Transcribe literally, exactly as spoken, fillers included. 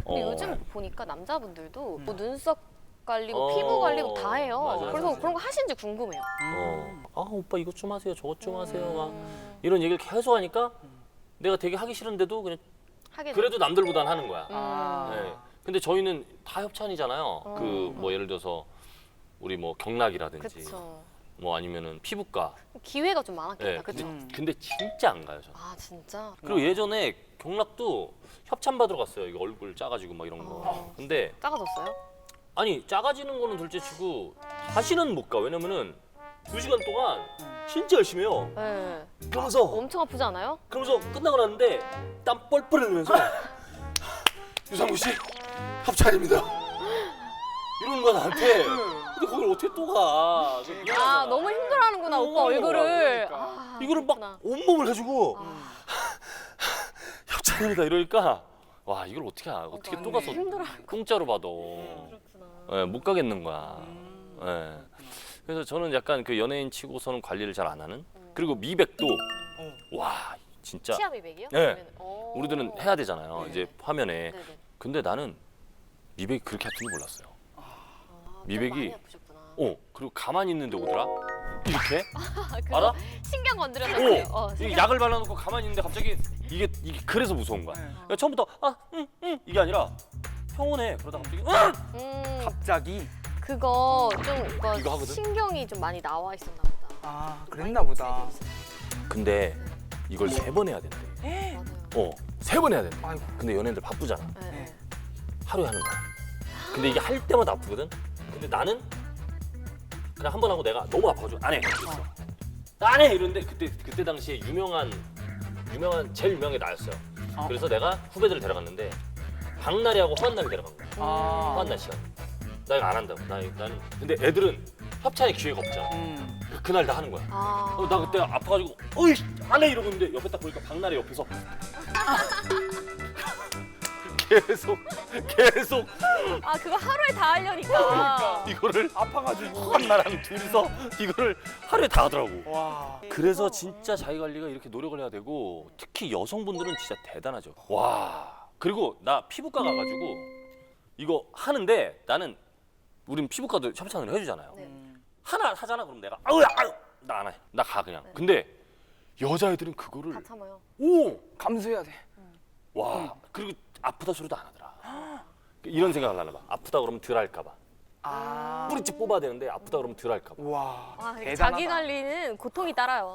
근데 어. 요즘 보니까 남자분들도 음. 뭐 눈썹 관리, 뭐 어, 피부 관리 뭐 다 해요. 맞아요. 그래서 맞아요. 그런 거 하시는지 궁금해요. 어. 아 오빠 이것 좀 하세요, 저것 좀 하세요. 막 음, 이런 얘기를 계속 하니까 내가 되게 하기 싫은데도 그냥 하게 그래도 남들보단 하는 거야. 아. 네. 근데 저희는 다 협찬이잖아요. 어. 그 뭐 예를 들어서 우리 뭐 경락이라든지 그쵸. 뭐 아니면은 피부과. 기회가 좀 많았겠다. 네. 그쵸? 근데, 근데 진짜 안 가요, 저는. 아 진짜? 그리고 예전에 경락도 협찬 받으러 갔어요. 이거 얼굴 작아지고 막 이런 거. 어. 근데 작아졌어요? 아니 작아지는 거는 둘째치고 다시는 못 가. 왜냐면은 두 시간 동안 진짜 열심히 해요. 네. 그러면서 엄청 아프지 않아요? 그러면서 끝나고 났는데 땀 뻘뻘 흘리면서 유상무 씨 협찬입니다. 이러는 거야 나한테. 근데 거길 어떻게 또 가? 그래서 미안하잖아. 아 너무 힘들어하는구나 오빠 어, 얼굴을. 그러니까. 아, 이거를 그렇구나. 막 온몸을 가지고 아, 협찬입니다 이러니까 와 이걸 어떻게 하- 어떻게 또 가서 힘들어. 공짜로 받아. 그렇구나. 예, 못 가겠는 거야. 음. 예. 그래서 저는 약간 그 연예인 치고서는 관리를 잘 안 하는. 그리고 미백도 와 진짜 치아 미백이요? 네. 아니면- 오. 우리들은 해야 되잖아요. 네. 이제 화면에. 네네. 근데 나는 미백이 그렇게 아픈 줄 몰랐어요. 아, 좀 미백이- 많이 아프셨구나. 어 그리고 가만히 있는데 오더라. 이렇게 아, 그거 알아? 신경 건드려서 오! 그래요. 어, 이게 신경. 약을 발라놓고 가만히 있는데 갑자기 이게 이게 그래서 무서운 거야. 네. 그러니까 처음부터 아응응 이게 아니라 평온해. 그러다 갑자기 응 음, 갑자기? 그거 좀 그거 이거 하거든? 신경이 좀 많이 나와 있었나 보다. 아, 그랬나 보다. 근데 이걸 세 번 해야 된대. 맞아요. 어 세 번 해야 된대. 아이고. 근데 연예인들 바쁘잖아. 네. 네. 하루에 하는 거야. 근데 이게 할 때마다 아프거든. 근데 나는 그냥 한 번 하고 내가 너무 아파가지고 안 해. 안 해 이러는데 그때 그때 당시에 유명한 유명한 제일 유명한 게 나였어요. 어. 그래서 내가 후배들을 데려갔는데 박나래하고 허한남이 데려간 거야. 아. 허한남 씨가. 나 이거 안 한다고. 나 나는 근데 애들은 협찬의 기회가 없잖아. 음. 그- 그날 다 하는 거야. 아. 어, 나 그때 아파가지고 어이 안 해 이러고 있는데 옆에 딱 보니까 박나래 옆에서 계속 계속 아 그거 하루에 다 하려니까. 이거를 아파가지고. 한나랑 둘이서 이거를 하루에 다 하더라고. 와. 그래서 진짜 자기 관리가 이렇게 노력을 해야 되고 특히 여성분들은 진짜 대단하죠. 와. 그리고 나 피부과 가가지고 이거 하는데 나는 우린 피부과도 협찬을 해주잖아요. 네. 음. 하나 하잖아 그럼 내가 아우 아우 나 안 해. 나 가 그냥. 네. 근데 여자애들은 그거를 다 참아요. 오! 감수해야 돼. 와. 그리고 아프다 소리도 안 하더라. 이런 생각을 하나 봐. 아프다 그러면 덜 할까 봐. 아. 뿌리째 뽑아야 되는데 아프다 그러면 덜 할까 봐. 와. 아, 대단하다. 자기 관리는 고통이 따라요.